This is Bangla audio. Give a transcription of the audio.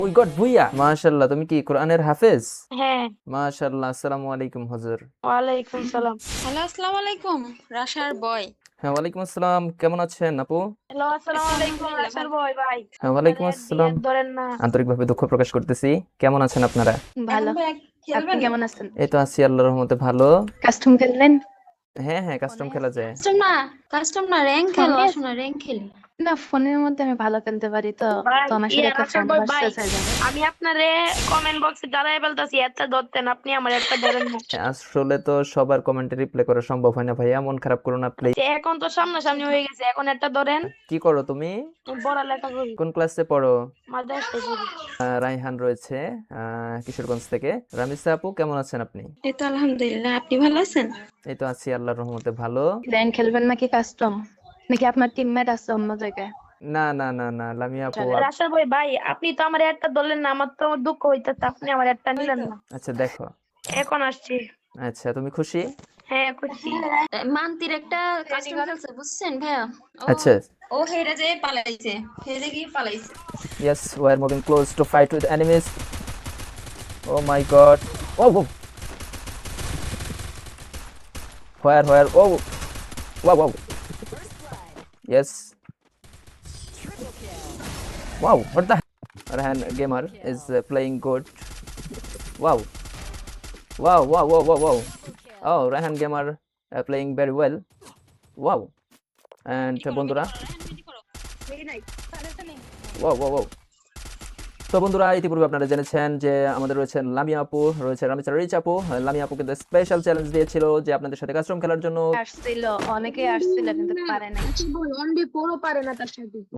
উই গট ভুইয়া মাশাআল্লাহ। তুমি কি কোরআনের হাফেজ? হ্যাঁ। মাশাআল্লাহ। আসসালামু আলাইকুম হুজুর। ওয়ালাইকুম সালাম। হ্যালো, আসসালামু আলাইকুম। রাশার বয়। হ্যাঁ, ওয়ালাইকুম আসসালাম। কেমন আছেন আপু? হ্যালো, আসসালামু আছি আলাইকুম আলহামদুলিল্লাহ রাসেল ভালো। ভাই ভাই। হ্যাঁ, আপনার ওয়ালাইকুম অ্যাড দিয়ে আসসালাম। অ্যাড ধরেন না। আন্তরিকভাবে দুঃখ প্রকাশ করতেছি। কেমন আছেন আপনারা? এখন ভালো। ভাই আপনি খেলবেন? কেমন আছেন? এই তো আছি আল্লাহর রহমতে ভালো। কাস্টম খেললেন? হ্যাঁ, হ্যাঁ, কাস্টম ফোনে? খেলা যায়। কাস্টম না র্যাঙ্ক খেলো, ফোনে? আসো না র্যাঙ্ক খেলি। না, ফোনের মধ্যে আমি ভালো খেলতে পারি তো। ভাই তো আমার সাথে একটা রাসেল ফ্রেন্ড ভাই ভাই, ভার্সেস হয়ে যাবে। আমি আপনারে কমেন্ট বক্সে দাঁড়ায় বলতেছি একটা ধরতেন, আপনি আমার একটা ধরেন না। আসলে তো সবার কমেন্টে রিপ্লাই করা সম্ভব হয় না ভাইয়া, মন খারাপ করো না প্লিজ। যে এখন তো সামনাসামনি হয়ে গেছে, এখন একটা ধরেন। কি করো তুমি? আমি পড়ালেখা করি, কোন ক্লাসে পড়ো? মাদ্রাসায় পড়ি। রায়হান রয়েছে কিশোরগঞ্জ থেকে। রামিসা আপু কেমন আছেন আপনি? এই তো আলহামদুলিল্লাহ, আপনি ভালো আছেন? এই তো আছি আল্লাহর রহমতে ভালো। র্যাঙ্ক খেলবেন নাকি কাস্টম? নাকি আপনার টিমমেট আছে অন্য জায়গায়? না, না, না, না, লামিয়া আপু চলে। রাসেল ভাই ভাই, আপনি তো আমার একটা ধরলেন না, আমার তো দুঃখ হইতেছে, আপনি আমার একটা নিলেন না। আচ্ছা দেখো। এখন আসছি। আচ্ছা, তুমি খুশি? হ্যাঁ খুশি। মান্তির একটা কাস্টম খেলছে বুঝছেন ভাইয়া? আচ্ছা। ও হেরে যেয়ে পালাইছে, হেরে গিয়ে পালাইছে। Yes, we are moving close to fight with enemies. Oh my god. Oh, oh. Where? Oh. Wow, wow. Yes. Wow, what the Rahan gamer is playing good. Wow. Wow. Oh, Rahan gamer playing very well. Wow. And বন্ধুরা, wow. তো বন্ধুরা, ইতিপূর্বে আপনারা জেনেছেন যে আমাদের রয়েছেন লামিয়া আপু, রয়েছে রামিসা রিচ আপু। লামিয়া আপু কিন্তু স্পেশাল চ্যালেঞ্জ দিয়েছিল যে আপনাদের সাথে কাস্টম খেলার জন্য। আসছিল, অনেকেই আসছিল কিন্তু পারে নাই। অনলি 4 পারে না তার সাথে।